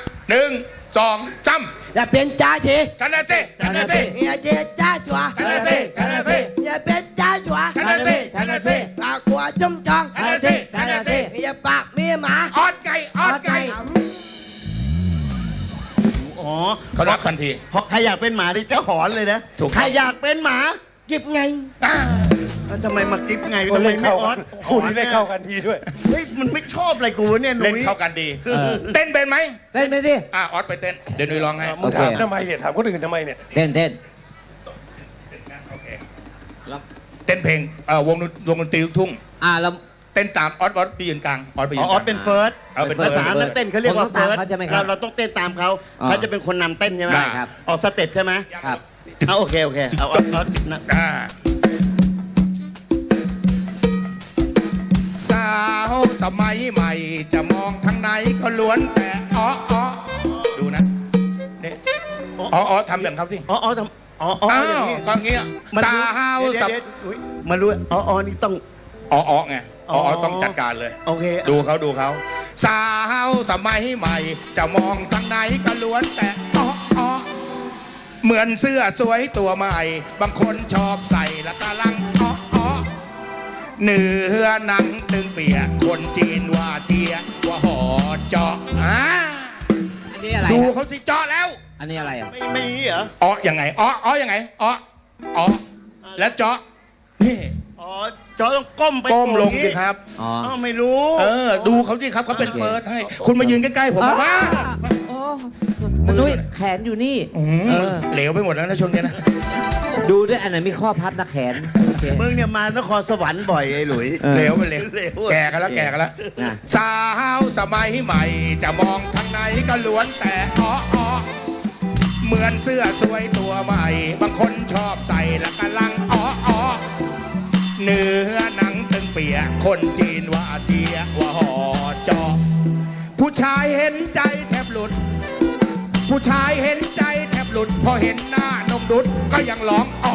Speaker 1: 1 2 3
Speaker 2: จะเป็นจ้าสิ
Speaker 1: ชันนะสิชันนะสิ
Speaker 2: เฮียสิจ้าชัว
Speaker 1: ชันนะสิชันนะสิ
Speaker 2: จะเป็นจ้าชัว
Speaker 1: ชันนะสิชันนะสิ
Speaker 2: ปากหัวจุ่มจอง
Speaker 1: ชันนะสิชันนะสิ
Speaker 2: เฮียปากมีหมา
Speaker 1: ออสไก่ออสไก่
Speaker 6: อ๋อ
Speaker 1: เขารับทันที
Speaker 6: เพราะใครอยากเป็นหมาดิจะหอนเลยนะ
Speaker 1: ถูก
Speaker 6: ใครอยากเป็นหมา
Speaker 2: กิบไง
Speaker 6: แล้วทำไมมากิ๊บไง
Speaker 5: คน
Speaker 6: ทำไม
Speaker 5: เล่น
Speaker 6: ไม่
Speaker 5: เข้า
Speaker 6: ออ
Speaker 5: กั
Speaker 6: ส
Speaker 5: นคู่นี้เล่นเข้ากันดีด้วย
Speaker 6: เฮ้ยมันไม่ชอบอะไรกูเนี่ยหนุ่
Speaker 1: เล่น
Speaker 6: ย
Speaker 1: เข้ากันดี เต้นเป็นไหม
Speaker 3: เต้นไปดิ
Speaker 1: ออสไปเต้นเดี๋ยวนุ้ยร้องให้
Speaker 5: มึงถามทำไมเนี่ยถามคนอื่นทำไมเนี่ย
Speaker 3: เต้น
Speaker 1: โอเคเต้นเพลงวงดนตรีลูกทุ่ง
Speaker 3: เรา
Speaker 1: เต้นตามออสไปยืนกลางออสไปยื
Speaker 6: อ๋อน
Speaker 1: ก
Speaker 6: ออ
Speaker 1: ลา
Speaker 6: ส
Speaker 1: ง
Speaker 6: เป็นเฟิร์ส
Speaker 1: เอาเป็น
Speaker 6: ภาษา
Speaker 1: เฟิร์ส
Speaker 6: นักเต้นเขาเรียกว่า
Speaker 3: ผมต้อง
Speaker 6: เฟิร์ส
Speaker 3: ตามเขาใช่ไหมครับ
Speaker 6: เราต้องเต้นตามเขา
Speaker 3: อ๋อ
Speaker 6: เขาจะเป็นคนนำเต้นใช่ไหม
Speaker 3: ได้ครับ
Speaker 6: ออกสเต็ปใช่ไหม
Speaker 3: ครับ
Speaker 6: เอาโอเคเอาเอานะ
Speaker 1: สาวสมัยใหม่จะมองทางไหนก็ล้วนแต่ดูนะนี่ทำอย่างเขาสิ
Speaker 6: อ๋อทำอ๋ออย่างนี้
Speaker 1: ก็เงี้ย
Speaker 6: มัน
Speaker 1: สา
Speaker 6: รู้
Speaker 1: วสับ
Speaker 6: เดี๋ยวอุ๊ยมารู้อ๋อนี่ต้อง
Speaker 1: ไงต้องจัดการเลย
Speaker 6: โอเค
Speaker 1: ดูเขาสาวสมัยใหม่ จะมองทางไหนก็ล้วนแต่เหมือนเสื้อสวยตัวใหม่ บางคนชอบใส่และกำลังเนื้อหนังตึงเปียกคนจีนว่าเจียว่าหอเจาะ
Speaker 3: อันนี้อะไร
Speaker 1: ดู
Speaker 3: อะ
Speaker 1: เขาสิเจาะแล้ว
Speaker 3: อันนี้อะไรอ่ะ
Speaker 6: ไม่มีเหรอ
Speaker 1: อ๋อยังไงอ๋อยังไงอ๋อแล้วเจาะนี่
Speaker 6: อ๋อจอต้องก้มไป
Speaker 1: ก้มลง
Speaker 6: อย่าง
Speaker 1: สิ
Speaker 6: นี้
Speaker 1: ครับ
Speaker 3: อ๋อ
Speaker 6: อ้าวไม่รู้
Speaker 1: ดูเขาสิครับเขาเป็นเฟิร์สให้ คุณมายืนใกล้ๆผมว่า
Speaker 3: โอ้มันนุ้ยแขนอยู่นี่เออ
Speaker 1: เหลวไปหมดแล้วนะช่วงนี้นะ
Speaker 3: ดูด้วยอันไหนมีข้อพับนะแขนโอเค
Speaker 6: มึงเนี่ยมานครสวรรค์บ่อยไอ้หลุย
Speaker 3: เออ
Speaker 1: เหลวไปเหลว
Speaker 6: เหลว
Speaker 1: แก่กันแล้วแก่กันแล้ว
Speaker 3: นะ
Speaker 1: สาวสมัยใหม่ จะมองทางไหนก็ล้วนแต่อ๋อเหมือนเสื้อสวยตัวใหม่ บางคนชอบใส่และกำลังอ๋อเนื้อหนังตึงเปียกคนจีนว่าเจียว่าหอจอผู้ชายเห็นใจแทบหลุด ผู้ชายเห็นใจแทบหลุด พอเห็นหน้านมดุดก็ยังร้องอ๋อ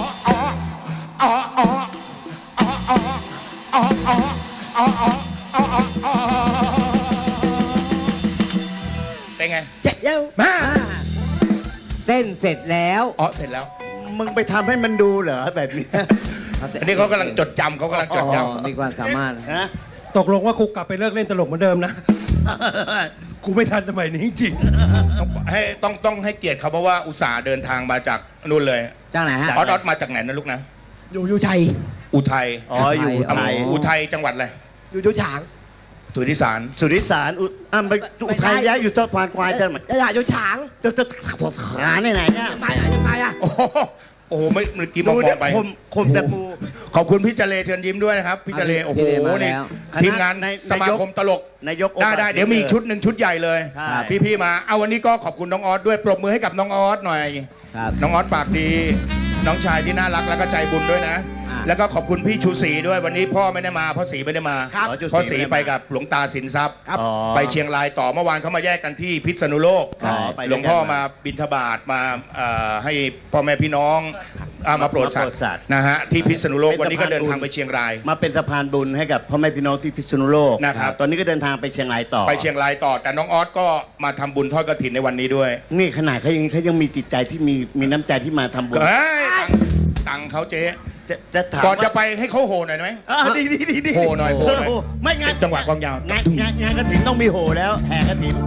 Speaker 1: เป็นไง
Speaker 2: เจ๊เย้า
Speaker 1: มา
Speaker 3: เต้นเสร็จแล้ว
Speaker 1: อ๋อเสร็จแล้ว
Speaker 6: มึงไปทำให้มันดูเหรอแบบนี้
Speaker 1: อันนี้เขากำลังจดจำเขากำลังจดจ
Speaker 3: อ๋อมีความสามารถ
Speaker 6: ฮะ
Speaker 5: ตกลงว่ากูกลับไปเลิกเล่นตลกเหมือนเดิมนะ กูไม่ทันสมัยนี้จริง
Speaker 1: ำต้องให้เกียรติเขาเพราะว่าอุตส่าห์เดินทางมาจากนู่นเลย
Speaker 3: จ้างไหนฮะ
Speaker 1: ออสมาจากไหนนะลูกนะ
Speaker 2: อยู่ชัย
Speaker 1: อุทัย
Speaker 6: อ๋ออยู่ไทย
Speaker 1: อุทัยจังหวัดอะไร
Speaker 2: อยู่ฉาง
Speaker 1: สุริสาร
Speaker 6: สุริสารไปอุทัยย้ายอยู่ต้นพานควายจะไหม
Speaker 2: อย่าอยู่ฉาง
Speaker 6: จะขาไหนเนี่ย
Speaker 2: ไปอ่ะ
Speaker 1: โอ้โหไม่เมื่อกี้มอง
Speaker 6: ดูเนี่ย
Speaker 1: ไป
Speaker 6: คมแต่ปู
Speaker 1: ขอบคุณพี่เจเลเชิญยิ้มด้วยนะครับพี่เจเลโอ้โห
Speaker 3: พี่เจเลมา
Speaker 1: นี่
Speaker 3: แล้ว
Speaker 1: ทีมงานสมาคมตลก
Speaker 6: นายก
Speaker 1: ได้เดี๋ยวมีอีกชุดหนึ่งชุดใหญ่เลย
Speaker 6: ใช่
Speaker 1: พี่มาเอาวันนี้ก็ขอบคุณน้องออสด้วยปรบมือให้กับน้องออสหน่อย
Speaker 3: ครับ
Speaker 1: น้องออสปากดี น้องชายที่น่ารักแล้วก็ใจบุญด้วยนะ
Speaker 3: อ่า
Speaker 1: แล้วก็ขอบคุณพี่ชูศรีด้วยวันนี้พ่อไม่ได้มาพ่อศรีไม่ได้มา
Speaker 6: ครับ
Speaker 1: พ่อศรีไปกับหลวงตาสินทรัพย์
Speaker 6: อ๋อ
Speaker 1: ไปเชียงรายต่อเมื่อวานเขามาแยกกันที่พิษณุโลก
Speaker 6: ใช่ไปด้วยกัน
Speaker 1: หลวงพ่อมาบิณฑบาตมาให้พ่อแม่พี่น้องมาโปรดสัต
Speaker 6: มาโปรดสัตว์
Speaker 1: ว์นะฮะที่พิษณุโลก
Speaker 6: เป็น
Speaker 1: วันนี้ก็
Speaker 6: สะพาน
Speaker 1: เดินทาง
Speaker 6: บุญ
Speaker 1: ไปเชียงราย
Speaker 6: มาเป็นสะพานบุญให้กับพ่อแม่พี่น้องที่พิษณุโลก
Speaker 1: นะครับ
Speaker 6: ตอนนี้ก็เดินทางไปเชียงรายต่อ
Speaker 1: ไปเชียงรายต่อแต่น้องออสก็มาทำบุญทอดกฐินในวันนี้ด้วย
Speaker 6: นี่ขนาดเขายังมีจิตใจที่มีน้ำใจที่มาทำบุญ
Speaker 1: เฮ้ยตังค์เขาเจ๊
Speaker 6: จะถาม
Speaker 1: ก่อนจะ
Speaker 6: ว่า
Speaker 1: ไปให้เขาโหหน่อยไหม
Speaker 6: ดี
Speaker 1: โหหน่อยโหหน่อย
Speaker 6: ไม่งาน
Speaker 1: จังหวะกลองยาว
Speaker 6: งานกระถินต้องมีโหแล้วแห่กระถิน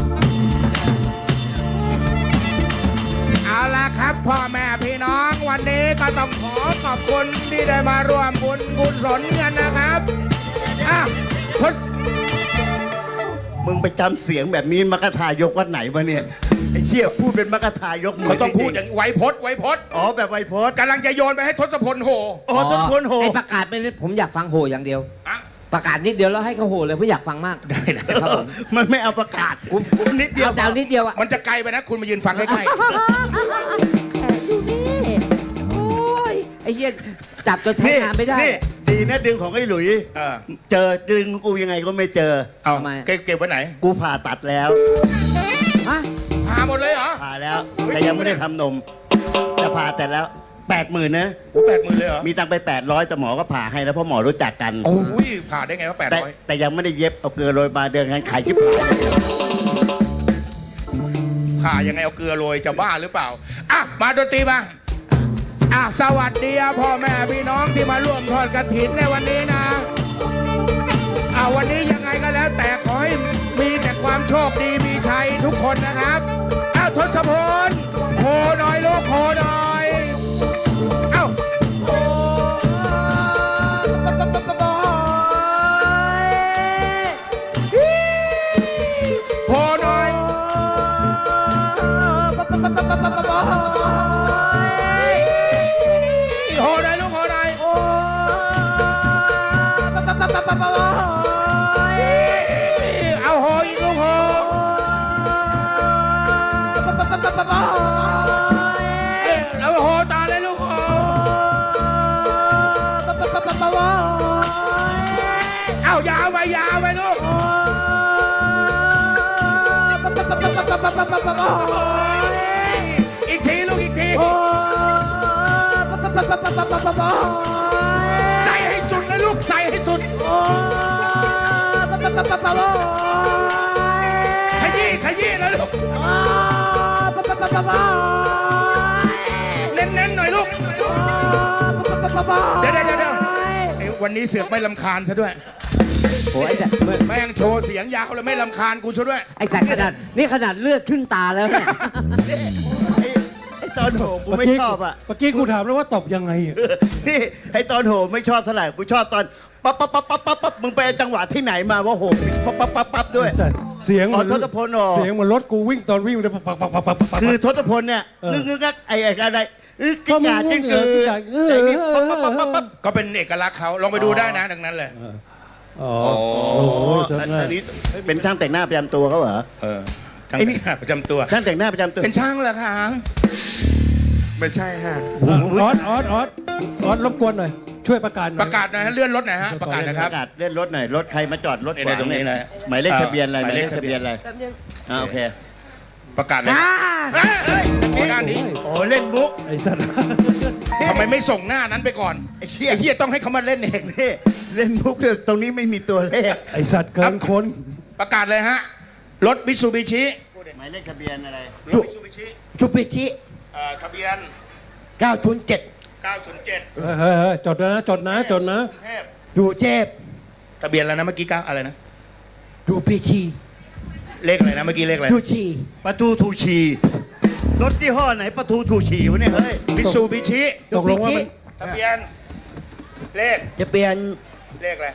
Speaker 1: เอาละครับพ่อแม่พี่น้องวันนี้ก็ต้องขอขอบคุณที่ได้มาร่วมบุญกุศลกันนะครับอ่ะทศ
Speaker 6: มึงไปจำเสียงแบบนี้มักกะทายกวัดไหนวะเนี่ยไอ้เชี่ยพูดเป็นมักกะทายกมื
Speaker 1: เขาต้องพูดอ
Speaker 6: จริ
Speaker 1: ย่างไวยพจน์ไวยพจน์
Speaker 6: อ๋อแบบไวโพส
Speaker 1: กำลังจะโยนไปให้ทศพลโห
Speaker 6: อ๋อต้นคนโห
Speaker 3: ไอ้ประกาศไม่ได้ผมอยากฟังโหอย่างเดียว
Speaker 1: อ่ะ
Speaker 3: ประกาศนิดเดียวแล้วให้เขาโหเลยเพราะอยากฟังมาก
Speaker 1: ได้
Speaker 3: ครับผม
Speaker 6: มันไม่เอาประกาศผมนิดเดียว
Speaker 3: เอาแต่เอานิดเดียวอะ
Speaker 1: มันจะไกลไปนะ คุณมายืนฟังใกล้
Speaker 3: แขกอยู่นี่โอ้ยไอ้เหี้ยจับจนใช้งานไม่ได้
Speaker 6: นี่ดีนะดึงของไอ้หลุย
Speaker 1: ๆเออ
Speaker 6: เจอดึงกูยังไงก็ไม่เจอ
Speaker 1: เอา
Speaker 3: ทำไม
Speaker 1: เก็บไว้ไหน
Speaker 6: กูผ่าตัดแล้ว
Speaker 3: ฮะ
Speaker 1: พาหมดเลยเหรอ
Speaker 6: ผ่าแล้ว
Speaker 1: เฮ้ย
Speaker 6: แต่ยังไม่ได้ทำนม จะผ่าแต่แล้ว 80,000นะ
Speaker 1: โอ้80,000เลยเหรอ
Speaker 6: มีตังค์ไป800แต่หมอก็ผ่าให้แล้วเพราะหมอรู้จักกัน
Speaker 1: โอ้ยผ่าได้ไงว่า
Speaker 6: แต่
Speaker 1: 800
Speaker 6: แต่ยังไม่ได้เย็บเอาเกลือโรยมาเดินกันขายชิบหาย
Speaker 1: ผ่ายังไงเอาเกลือโรยจะบ้าหรือเปล่าอ่ะมาดนตรีมาอ่ะสวัสดีพ่อแม่พี่น้องที่มาร่วมทอดกฐินในวันนี้นะวันนี้ยังไงก็แล้วแต่ขอให้มีแต่ความโชคดีมีชัยทุกคนนะครับทศพลโหหน่อยลูกโหหน่อยเอ้า
Speaker 2: โอ้บอย
Speaker 1: โหหน่อย
Speaker 2: บอย
Speaker 1: โหหน่อยลูกโหหน่อย
Speaker 2: โอ้บอย
Speaker 1: เอาโหอีกลูกโห เอาโหต่อเลยลูกโหเอายาวไปลูกอีกทีลูกอีกทีใส่ให้สุดนะลูกใส่ให้สุดขยี้นะลูกเน้นๆหน่อยลูกเดี๋ยวไอ้วันนี้เสือกไม่ลำคาญซะด้วย
Speaker 3: โอ้ยไอ้สัตว์
Speaker 1: แม่งโชว์เสียงยาวเลยไม่ลำคาญกูซะด้วย
Speaker 3: ไอ้สัตว์ขนาดนี่ขนาดเลือดขึ้นตาแล้วเนี่ย
Speaker 6: ไอ้ตอนโหกูไม่ชอบอ่ะ
Speaker 5: เมื่อกี้กูถามแล้วว่าตบยังไงอะ
Speaker 6: นี่ไอ้ตอนโหไม่ชอบเท่าไหร่กูชอบตอนปั๊บปั๊บปั๊บปั๊บปั๊บปั๊บมึงไปจังหวะที่ไหนมาว่าโหปั๊บปั๊บปั๊บปั๊บด้วย
Speaker 5: ไอ้สัตว์เสียง
Speaker 6: อ๋อทศพลเหรอ
Speaker 5: เสียงเหมือนรถกูวิ่งตอนวิ่งเลยปักปักปักปักปักปัก
Speaker 6: คือทศพลเนี่ย
Speaker 5: เออ
Speaker 6: งึกงึกงักไอ้อะไรกิ้งก่ากิ้งกือ
Speaker 5: กิ้งก่า
Speaker 6: ไอ้นี่ปั๊บปั๊บปั๊บปั๊บ
Speaker 1: ก็เป็นเอกลักษณ์เขาลองไปดูได้นะดังนั้นเลย
Speaker 5: อ๋อโอ้โหจำ
Speaker 6: อัน
Speaker 5: ได้
Speaker 6: นี้เป็นช่างแต่งหน้าประจำตัวเขาเหรอ
Speaker 1: ช่าง
Speaker 6: ไอ้นี่
Speaker 1: แต่งหน้าประจำตัว
Speaker 6: ช่างแต่งหน้าประจำตัว
Speaker 1: เป็นช่างเหรอคะไม่ใช่ฮะ
Speaker 5: ออสรบกวนหน่อย ช่วยประกาศหน่อย
Speaker 1: ประกาศหน่อยฮะเลื่อนรถหน่อยฮะประกาศนะครับ
Speaker 6: ประกาศเล่นรถหน่อยรถใครมาจอดรถ
Speaker 1: เนี่ย
Speaker 6: ขวาง
Speaker 1: ตรงนี้เลย
Speaker 6: หมายเลขทะเบียนอะไรหมายเลข
Speaker 1: หมายเลข
Speaker 6: ทะเบียนอะไร
Speaker 2: แป๊บนึง
Speaker 6: โอเค
Speaker 1: ประกาศเลย
Speaker 2: อ่า
Speaker 1: เฮ้ยโอ้ด้านนี้
Speaker 6: โอ้เล่นมุก
Speaker 5: ไอ้สัตว์
Speaker 1: ทำไมไม่ส่งหน้านั้นไปก่อน
Speaker 6: ไอ้เชี่ย
Speaker 1: ไอ้เหี้ยต้องให้เขามาเล่นเอง
Speaker 6: นี่เล่นมุกเนี่ยตรงนี้ไม่มีตัวเลข
Speaker 5: ไอ้สัตว์เกินคน
Speaker 1: ประกาศเลยฮะรถมิตซูบิชิ
Speaker 6: หมายเลขทะเบียนอะไร
Speaker 1: รถมิตซูบิชิ
Speaker 2: ชุปิชิ
Speaker 1: ทะเบียน
Speaker 2: 907
Speaker 1: 907
Speaker 5: เฮ้ยจดนะจดนะ
Speaker 1: กรุงเทพ
Speaker 2: อยู่เทพ
Speaker 1: ทะเบียนอะไรนะเมื่อกี้9อะไรนะ
Speaker 2: อยู่ปีชี
Speaker 1: เลขอะไรนะเมื่อกี้เลขอะไร
Speaker 2: อยู่ชี
Speaker 6: ปะทูทูชีรถที่ห้อไหนปะทูทูชีวะเนี่ยเฮ้ย
Speaker 1: มิตซูบิชิ
Speaker 5: ตกลงว่ามัน
Speaker 1: ทะเบียนเลข
Speaker 2: จะเปลี่ยน
Speaker 1: เลขอะไร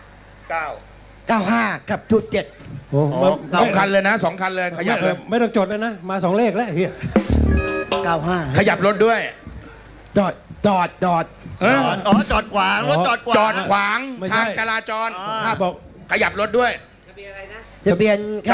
Speaker 1: 9
Speaker 2: 95 กับ07
Speaker 5: โอ้
Speaker 1: สองคันเลยนะสองคันเลยขยับเลย
Speaker 5: ไม่ต้องจดเลยนะ มา2 เลขแล้วเฮีย
Speaker 6: 95
Speaker 1: ขยับรถด้วย
Speaker 2: จอด
Speaker 1: เออ
Speaker 6: อ๋อจอดขวางรถจอดขวาง
Speaker 1: จอดขวางทางจราจร
Speaker 5: ถ้าบอก
Speaker 1: ขยับรถด้วย
Speaker 2: จะเปลี่ยน995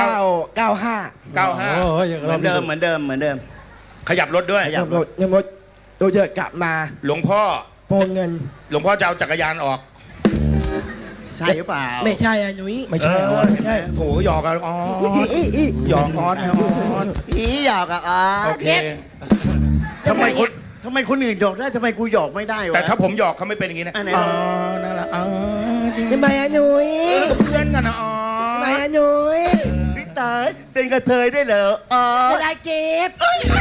Speaker 1: 95
Speaker 5: โอ้ย
Speaker 6: เหมือนเดิมเหมือนเดิมเหมือนเดิม
Speaker 1: ขยับรถด้วย
Speaker 6: ขยับ
Speaker 2: รถยังรถตัวเยอะกลับมา
Speaker 1: หลวงพ่อ
Speaker 2: โปนเงิน
Speaker 1: หลวงพ่อจะเอาจักรยานออก
Speaker 6: ใช่หรือเปล่า
Speaker 2: ไม่ใช่อะหนุ่ย
Speaker 1: ไม่ใช่
Speaker 2: ไม่ใช่
Speaker 1: โถหยอกกันอ๋อ หยอกออสนะออส
Speaker 6: อีหยอกอ่ะอ๋อ
Speaker 1: โอเค
Speaker 6: ทำไมคนอื่นหยอกได้ทำไมกูหยอกไม่ได้วะ
Speaker 1: แต่ถ้าผมหยอกเขาไม่เป็นอย่างนี้นะ
Speaker 6: อันไหน
Speaker 1: อ๋อนั่นแหละอ๋อ
Speaker 2: ทำไมอะหนุ่ย
Speaker 1: เพื่อนกันนะอ๋อ
Speaker 2: ทำไมอะหนุ่ย
Speaker 6: พี่ตายเป็นกระเทยได้เหรออ๋อ
Speaker 2: จะได้เก็บ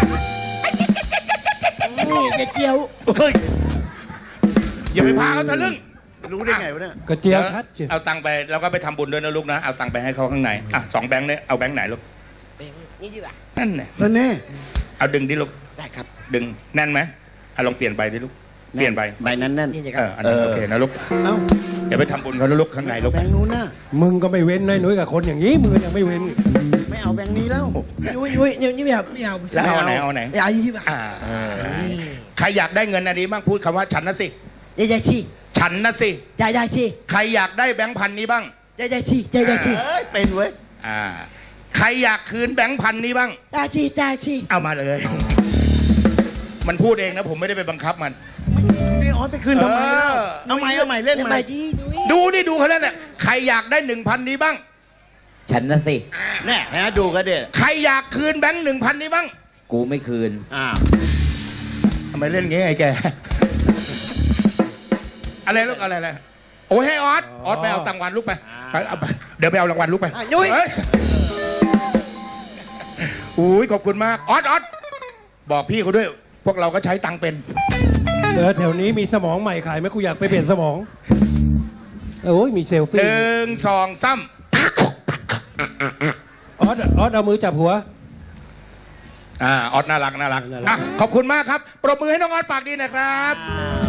Speaker 2: จะเจียว
Speaker 6: เฮ้ย
Speaker 1: อย่าไปพาเขาทะลึ่ง
Speaker 6: รู้ได้ไงวะเนี่ย
Speaker 5: กระเจียวชัดเจน
Speaker 1: เอาตังค์ไปแล้วก็ไปทำบุญด้วยนะลูกนะ เอาตังค์ไปให้เขาข้างในอ่ะ2 แบงค์เนี่ยเอาแบงค์ไหนลูก
Speaker 2: เป็นนี่ดีกว่า
Speaker 1: นั่นแหละ
Speaker 6: นั่นแน่
Speaker 1: เอาดึงดิลูก
Speaker 2: ได้ครับ
Speaker 1: ดึงแน่นไหมอ่ะลองเปลี่ยนใบดิลูกเปลี่ยนใบ
Speaker 6: ใบนั้นแน่น
Speaker 2: นี่นะค
Speaker 1: เอ
Speaker 2: รับ
Speaker 1: ออันนั้นโอเคนะลูก
Speaker 6: เอ้า
Speaker 1: เดี๋ยวไปทำบุญเขานะลูกข้างในลูก
Speaker 6: แบงค์นู้นน่ะ
Speaker 5: มึงก็ไม่เว้นนายหนุ่ยกับคนอย่างนี้มึงก็ยังไม่เว้น
Speaker 6: ไม่เอาแบงค์นี้แล้ว
Speaker 2: หนุ่ยนี่ไม่เอาไม่เอา
Speaker 1: แล้วเอาไหนเอาไหน
Speaker 2: ไม่เอายี่สิบบาท
Speaker 1: อ่าใครอยากได้เงินอันนี้บ้างพูดคำว่าฉันนะสิ
Speaker 2: ยายชี
Speaker 1: ฉันนะสิ
Speaker 2: ยายชี
Speaker 1: ใครอยากได้แบงค์พันนี้บ้าง
Speaker 2: ยายชียายชี
Speaker 6: เอ้ยเป็นเว้ย
Speaker 1: อ่าใครอยากคืนแบงค์พันนี้บ้าง
Speaker 2: ยายชี
Speaker 1: เอามาเลย มันพูดเองนะผมไม่ได้ไปบังคับมัน
Speaker 6: นี่อ๋อจะคืนทำไมแล้ว
Speaker 1: เออ
Speaker 6: เอาใหม่เอาใหม่เล่น
Speaker 2: ทำ
Speaker 6: ให
Speaker 2: ไม
Speaker 6: ม่
Speaker 2: ดีหนุ่ย
Speaker 1: ดูนี่ดูเขาแล้วเนี่ยใครอยากได้1,000นี้บ้าง
Speaker 3: ฉันนะสิ
Speaker 6: แน่ฮะดูกันเด็ด
Speaker 1: ใครอยากคืนแบงค์1,000นี้บ้าง
Speaker 3: กูไม่คืน
Speaker 6: อ้าว
Speaker 1: ทำไมเล่นงี้ไอ้แก อะไรลูกอะไรโอ้ยให้ออสไปเอาตังค์วันลูกไปเอาไปเดี๋ยวไปเอารางวัลลูกไป
Speaker 2: หนุ่ย
Speaker 1: เฮ้ยอุ้ยขอบคุณมากออสบอกพี่เขาด้วย พวกเราก็ใช้ตังค์เป็น
Speaker 5: แถวนี้มีสมองใหม่ขายไหมกูอยากไปเปลี่ยนสมองโอ้ยมีเซลฟี่
Speaker 1: 1 2 3
Speaker 5: ออสเอามือจับหัว
Speaker 1: ออสน่ารัก
Speaker 5: น่ารัก
Speaker 1: อ่ะขอบคุณมากครับ ปรบมือให้น้องออสปากดีหนะครับ